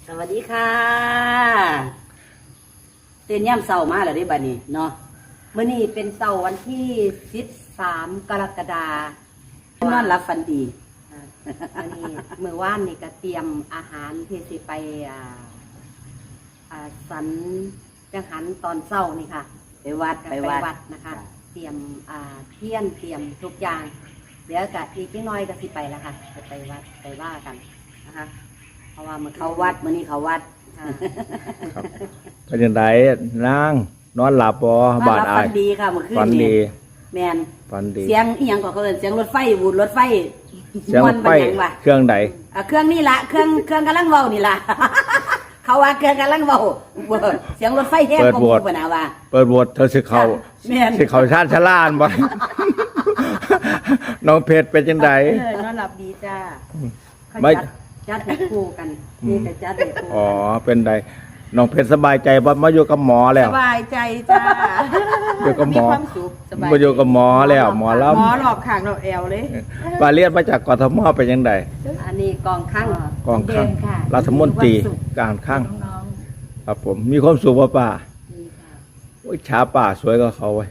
สวัสดีค่ะเต้นย่ำเสาร์มาแล้วได้บัดนี้เนาะเมื่อนี้เป็นเสาร์วันที่13 กรกฎาคมนอนรับฝันดีอันนี้เมื่อวานนี่ก็เตรียมอาหารที่สิไปสันจังหันตอนเช้านี่ค่ะไปวัดนะคะเตรียมเทียนเตรียมทุกอย่างเดี๋ยวกะอีกนิดหน่อยก็สิไปแล้วค่ะไปวัดไปว่ากันนะคะเพราะว่ามันเขาวัดมื้อนี้เขาวัดเป็นยังไงนั่งนอนหลับบ่บาดอายฝันดีค่ะเมื่อคืนฝันดีแมนฝันดีเสียงอีหยังก็เขาเอิ้นเสียงรถไฟวูดรถไฟเสียงรถไฟเครื่องใดเครื่องนี่ละเครื่องกำลังเว้านี่ละเขาว่าเครื่องกำลังเว้าเสียงรถไฟแท้กงปนะว่าเปิดโหวตเธอสิเขาชาติชะล่านบ่น้องเพชรเป็นจังไดนอนหลับดีจ้าไม่จัดให้คู่กันนี่แต่จัดให้คู่อ๋อเป็นไดน้องเพชรสบายใจบ่มาอยู่กับหมอแล้วสบายใจจ้าอยู่กับหมอมีความสุขสบายมาอยู่กับหมอแล้วหมอแล้วหมอหลอกข้างเราแอวเลยปาเลียนมาจากกทมเป็นจังไดอันนี้กองข้างรัฐมนตรีการข้างครับผมมีความสุขป่ะป้าโอ้ยช้าป่าสวยก็เขาไว้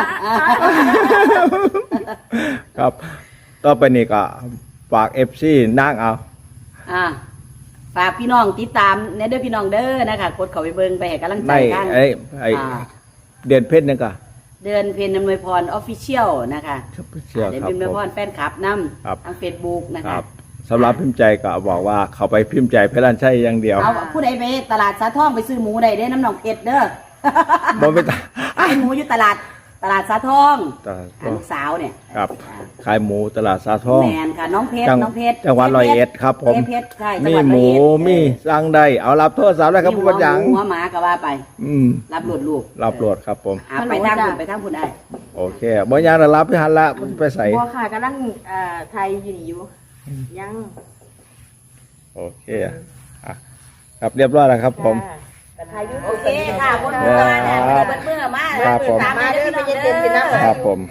ครับต่อไปนี่ก็ฝาก FC นั่งเอาฝากพี่น้องติดตามในเด้อพี่น้องเด้อนะคะกดเข้าไปเบิ่งไปให้กำลังใจกันไอเดือนเพชรนี่ก็เดือนเพ็ญอำนวยพร Official นะคะเดือนเพ็ญอำนวยพรแฟนคลับนำทาง Facebook นะคะสำหรับพิมพ์ใจก็บอกว่าเขาไปพิมพ์ใจเพชรลันชัยอย่างเดียวเอาผู้ใดไปตลาดสาทองไปซื้อหมูได้น้ำหนองเพชรเด้อบ่ไปขายหมูอยู่ตลาดสาทองลูกสาวเนี่ยครับขายหมูตลาดสาทองแมนค่ะน้องเพชรจังหวัด101ครับผมมีหมูมีสั่งได้เอารับโทรศัพท์ได้ครับผู้บัญชาหัวหมาก็ว่าไปรับโหลดลูกรับโหลดครับผมไปทางคุณได้โอเคบ่ยังได้รับไปหันละไปใส่บ่ค่ะกำลังไทยอยู่นี่อยู่ยังโอเคครับเรียบร้อยแล้วครับผมโอเคค่ะคนเมื่อเนี่ยเมื่อมาตามมาเด้อไปเย็นๆกินน้ำครับผม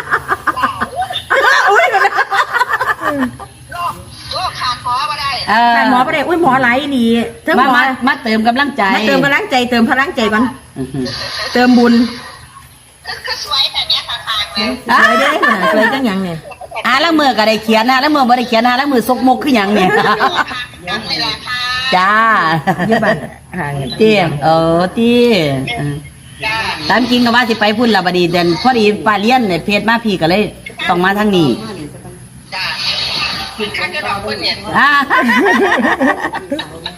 โรคขาดหมอมาได้ขาดหมอมาได้อุ้ยหมอไหลนี่มาเติมกำลังใจเติมพลังใจก่อนเติมบุญก็สวยแบบนี้ค่ะสวยได้สวยจังยังเนี่ยแล้วมือก็ได้เขียนแล้วมือบ่ได้เขียนแล้วมือซกมกคือยังเนี่ยจ้ายี่บ้านเตี้ยเตี้ยตามจริงก็ว่าสิไปพุ่นละบดีเดินพอดีปลาเลี้ยนเนี่ยเพจมาพี่ก็เลยต้องมาทางนี้จ้าข้าจะดอกคนเนี่ย